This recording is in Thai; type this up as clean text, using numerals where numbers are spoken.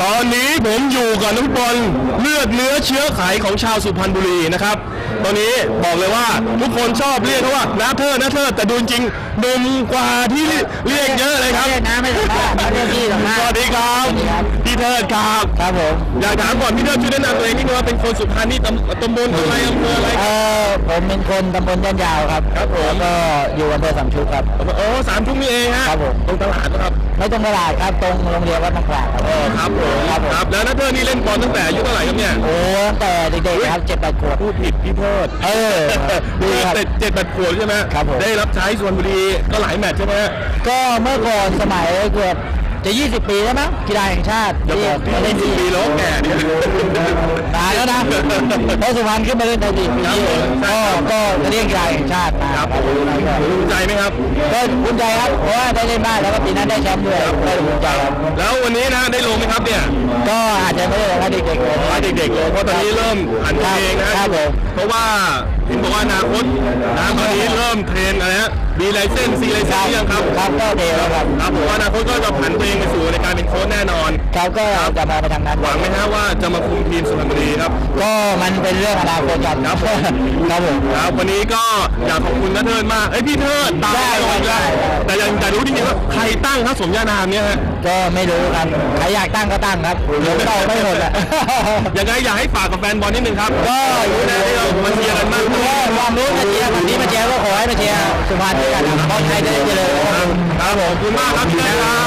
ตอนนี้ผมอยู่กับนักบอลเลือดเนื้อเชื้อไขของชาวสุพรรณบุรีนะครับตอนนี้บอกเลยว่าทุกคนชอบเรียกเขาว่าน้าเธอแต่ดูจริงหนุ่มกว่าที่เรียกเยอะเลยครับน้าไม่สัมภาษณ์เรียกพี่สัมภาษณ์สวัสดีครับพี่เทิดครับครับผมอยากถามก่อนพี่เทิดช่วยแนะนำตัวเองนิดนึงว่าเป็นคนสุพรรณนี่ตำบลอะไรอำเภออะไรผมเป็นคนตำบลย่านยาวครับครับผมแล้วก็อยู่อำเภอสามชุกครับโอ้สามชุกนี่เองฮะครับผมตรงตลาดครับไม่ตรงตลาดครับตรงโรงเรียนวัดมะขวางครับผมครับแล้วน้าเทิดนี่เล่นบอลตั้งแต่อายุเท่าไหร่ครับเนี่ยโอ้ตั้งแต่เด็กๆครับ7-8 ขวบพูดผิดพี่เทิดดีครับ 7-8 ขวบใช่ไหมครับผมได้รับใช้สุพรรณบุรีก็หลายแมตช์ใช่ไหมก็เมื่อก่อนสมัยเกือบจะ20 ปีแล้วมั้งกีฬาแห่งชาติอย่าบอกที่เล่น20 ปีแล้วแก่เนี่ยตายแล้วนะเพราะสุพรรณขึ้นมาเล่นในลีกปีนี้ก็จะเรียกกีฬาแห่งชาติมาครับภูมิใจไหมครับก็ภูมิใจครับเพราะว่าได้เล่นบ้านแล้วก็ปีนั้นได้แชมป์ด้วยได้ภูมิใจครับแล้ววันนี้นะได้ลงไหมครับเนี่ยก็อาจจะไม่ได้ลงให้เด็กๆเลยเด็กๆเลยเพราะตอนนี้เริ่มหันตัวเองนะครับเพราะว่าเห็นบอกว่าอนาคตนะตอนนี้เริ่มเทรนอะไรฮะมีไลเซนส์ไลเซนส์ยังครับครับก็เดียวครับผมว่าอนาคตก็จะผันตัวเองไปสู่ในการเป็นโค้ชแน่นอนครับก็จะมาไปทางนั้นหวังไหมฮะว่าจะมาคุมทีมสุพรรณบุรีครับก็มันเป็นเรื่องอนาคตครับครับผมครับวันนี้ก็อยากขอบคุณน้าเทิดมากพี่เทิดตามได้แต่ยังจะรู้จริงๆว่าใครตั้งครับสมญานามเนี่ยฮะก็ไม่รู้ครับใครอยากตั้งก็ตั้งครับผมตอบไม่หมดอ่ะยังไงอยากให้ฝากกับแฟนบอลนิดนึงครับก็รู้นะที่เรามาเชียร์กันมากความรู้มาเชียร์แบบนี้มาเชียร์ก็ขอให้มาเชียร์สุพรรณด้วยกันครับบอลไทยได้เจริญครับผมขอบคุณมากครับพี่เทิดครับ